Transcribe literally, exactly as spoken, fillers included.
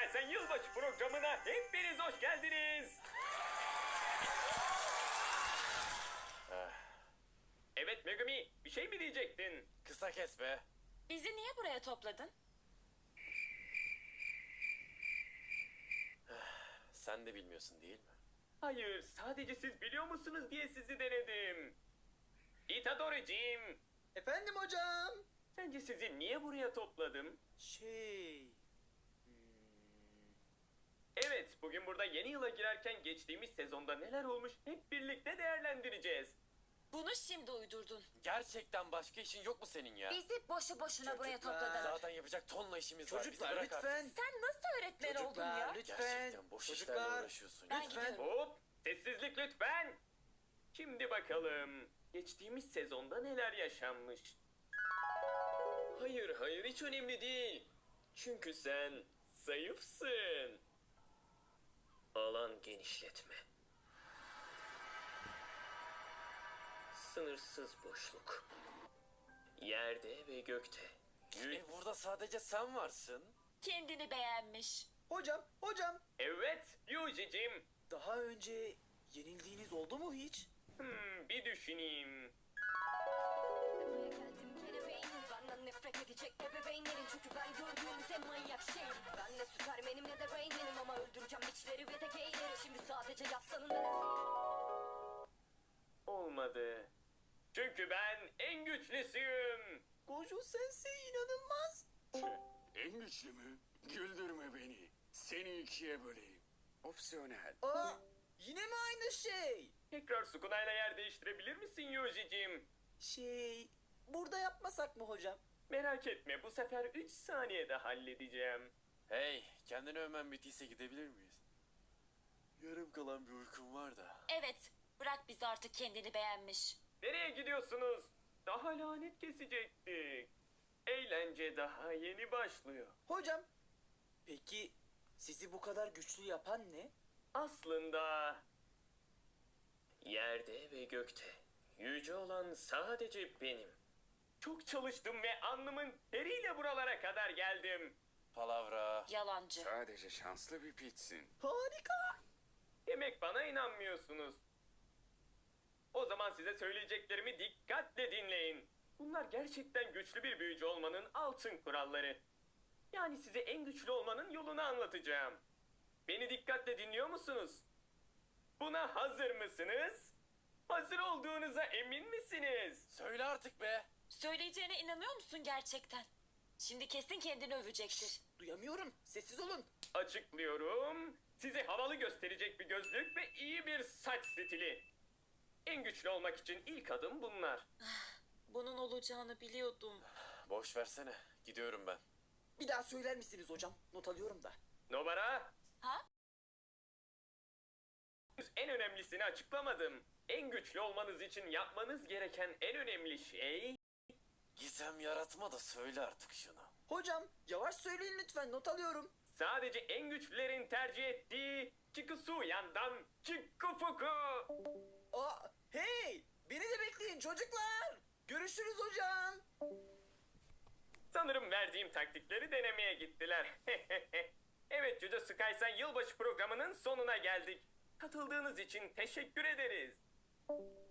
Sıkaysan yılbaşı programına hepiniz hoş geldiniz. Evet Megumi, bir şey mi diyecektin? Kısa kes be. Bizi niye buraya topladın? Sen de bilmiyorsun değil mi? Hayır, sadece siz biliyor musunuz diye sizi denedim. Itadori'cim, Efendim hocam. sence sizi niye buraya topladım? Şey... Evet, bugün burada yeni yıla girerken geçtiğimiz sezonda neler olmuş hep birlikte değerlendireceğiz. Bunu şimdi uydurdun. Gerçekten başka işin yok mu senin ya? Bizi boşu boşuna buraya Çocuklar. topladın. Zaten yapacak tonla işimiz var. Bizi Çocuklar bırak lütfen. artık. Sen nasıl öğretmen oldun Çocuklar ya? lütfen. Gerçekten boş işlerle Çocuklar. uğraşıyorsun. Ben ya. Lütfen. gidiyorum. Hop, sessizlik lütfen. Şimdi bakalım, geçtiğimiz sezonda neler yaşanmış? Hayır, hayır hiç önemli değil. Çünkü sen zayıfsın. Alan genişletme. Sınırsız boşluk. Yerde ve gökte. Yü- E burada sadece sen varsın. Kendini beğenmiş. Hocam, hocam. Evet, Yuji'cim. Daha önce yenildiğiniz oldu mu hiç? Hmm, bir düşüneyim. Buraya geldim kelebeynim. Benden nefret edecek ebeveynlerin. Çünkü ben gördüğünüz en manyak şeyim. Ben ne süpermenim ne de Rain'im. Ama öldüreceğim biçleri ve de gayleri. Şimdi sadece yaslanın ve Olmadı. Çünkü ben en güçlüsüyüm. Gojo Sensei inanılmaz. En güçlü mü? Güldürme beni. Seni ikiye böleyim. Opsiyonel. Aa, yine mi aynı şey? Tekrar Sukuna'yla yer değiştirebilir misin Yuji'cim? Şey, burada yapmasak mı hocam? Merak etme, bu sefer üç saniyede halledeceğim. Hey, kendini övmen bittiyse gidebilir miyiz? Yarım kalan bir uykum var da. Evet, bırak bizi artık kendini beğenmiş. Nereye gidiyorsunuz? Daha lanet kesecektik. Eğlence daha yeni başlıyor. Hocam, peki sizi bu kadar güçlü yapan ne? Aslında yerde ve gökte yüce olan sadece benim. Çok çalıştım ve alnımın teriyle buralara kadar geldim. Palavra. Yalancı. Sadece şanslı bir pitsin. Harika. Demek bana inanmıyorsunuz. O zaman size söyleyeceklerimi dikkatle dinleyin. Bunlar gerçekten güçlü bir büyücü olmanın altın kuralları. Yani size en güçlü olmanın yolunu anlatacağım. Beni dikkatle dinliyor musunuz? Buna hazır mısınız? Hazır olduğunuza emin misiniz? Söyle artık be. Söyleyeceğine inanıyor musun gerçekten? Şimdi kesin kendini övecektir. Duyamıyorum. Sessiz olun. Açıklıyorum. Size havalı gösterecek bir gözlük ve iyi bir saç stili. En güçlü olmak için ilk adım bunlar. Bunun olacağını biliyordum. Boş versene. Gidiyorum ben. Bir daha söyler misiniz hocam? Not alıyorum da. Numara. Ha? En önemlisini açıklamadım. En güçlü olmanız için yapmanız gereken en önemli şey... Gizem yaratma da söyle artık şunu. Hocam, yavaş söyleyin lütfen. Not alıyorum. Sadece en güçlülerin tercih ettiği Chikusu yandan Chikufuku. Aa, hey! Beni de bekleyin çocuklar. Görüşürüz hocam. Sanırım verdiğim taktikleri denemeye gittiler. Evet Judo Skysen yılbaşı programının sonuna geldik. Katıldığınız için teşekkür ederiz.